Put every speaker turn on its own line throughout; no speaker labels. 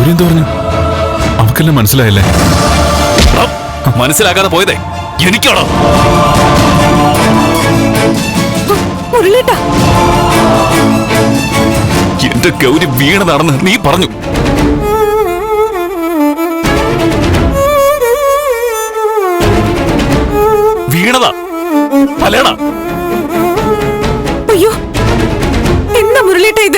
ഗൗരി എന്ത് പറഞ്ഞു? അവക്കെല്ലാം മനസ്സിലായല്ലേ?
മനസ്സിലാക്കാതെ പോയതേ എനിക്കാണോ? എന്റെ ഗൗരി വീണതാണെന്ന് നീ പറഞ്ഞു. വീണതാ അല്ലേടാ?
അയ്യോ, എന്താ മുരളിയേട്ട ഇത്?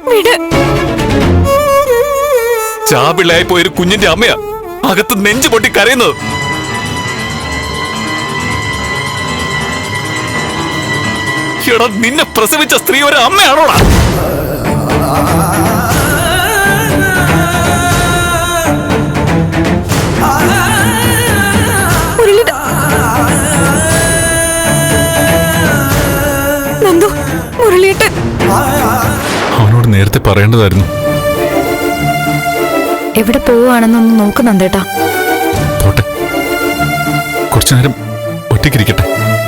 ചാപിള്ളയായി പോയൊരു കുഞ്ഞിന്റെ അമ്മയാ അകത്ത് നെഞ്ചു പൊട്ടി കരയുന്നത്. എടാ, നിന്നെ പ്രസവിച്ച സ്ത്രീ ഒരു അമ്മയാണോടാ?
അവനോട് നേരത്തെ പറയേണ്ടതായിരുന്നു.
എവിടെ പോവുകയാണെന്നൊന്ന് നോക്ക് നന്ദേട്ടാ.
പോട്ടെ, കുറച്ചു നേരം ഒറ്റയ്ക്കിരിക്കട്ടെ.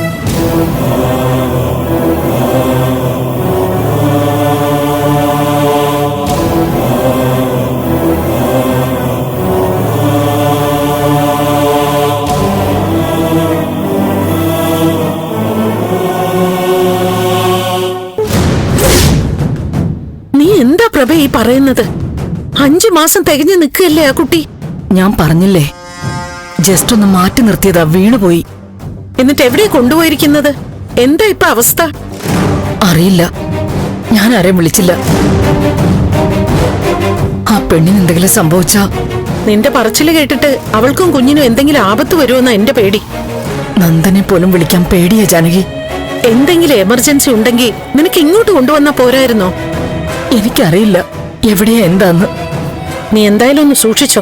നീ എന്താ പ്രഭ ഈ പറയുന്നത്? 5 മാസം തികഞ്ഞു നിൽക്കുകയല്ലേ ആ കുട്ടി?
ഞാൻ പറഞ്ഞില്ലേ, ജസ്റ്റ് ഒന്ന് മാറ്റി നിർത്തിയതാ, വീണുപോയി.
എന്നിട്ട് എവിടെ കൊണ്ടുപോയിരിക്കുന്നത്? എന്താ ഇപ്പൊ അവസ്ഥ?
അറിയില്ല, ഞാൻ ആരെയും വിളിച്ചില്ല. ആ പെണ്ണിന് എന്തെങ്കിലും സംഭവിച്ചാ?
നിന്റെ പറച്ചില് കേട്ടിട്ട് അവൾക്കും കുഞ്ഞിനും എന്തെങ്കിലും ആപത്ത് വരുമെന്നാ എന്റെ പേടി.
നന്ദനെ പോലും വിളിക്കാൻ പേടിയാ ജാനകി.
എന്തെങ്കിലും എമർജൻസി ഉണ്ടെങ്കിൽ നിനക്ക് ഇങ്ങോട്ട് കൊണ്ടുവന്നാ പോരായിരുന്നോ?
എനിക്കറിയില്ല എവിടെയാ എന്താന്ന്.
നീ എന്തായാലും ഒന്ന് സൂക്ഷിച്ചോ.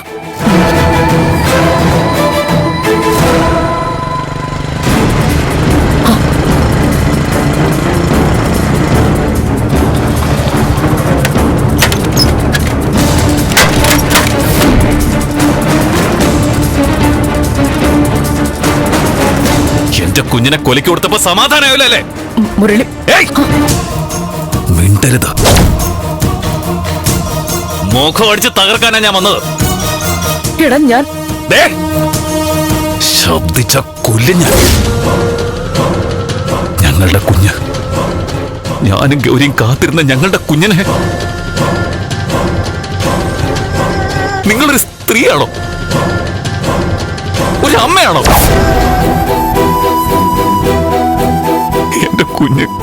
എന്റെ കുഞ്ഞിനെ കൊലക്ക് കൊടുത്തപ്പോ സമാധാനമായല്ലേ?
മുരളി,
മിണ്ടരുത്. മുഖം അടിച്ച് തകർക്കാനാ ഞാൻ വന്നത്.
എടാ, ഞാൻ
ശബ്ദിച്ച കൊല്ലിഞ്ഞ ഞങ്ങളുടെ കുഞ്ഞ്, ഞാനും ഗൗരിയും കാത്തിരുന്ന ഞങ്ങളുടെ കുഞ്ഞിനെ നിങ്ങളൊരു സ്ത്രീയാണോ? ഒരു അമ്മയാണോ? എന്റെ കുഞ്ഞ്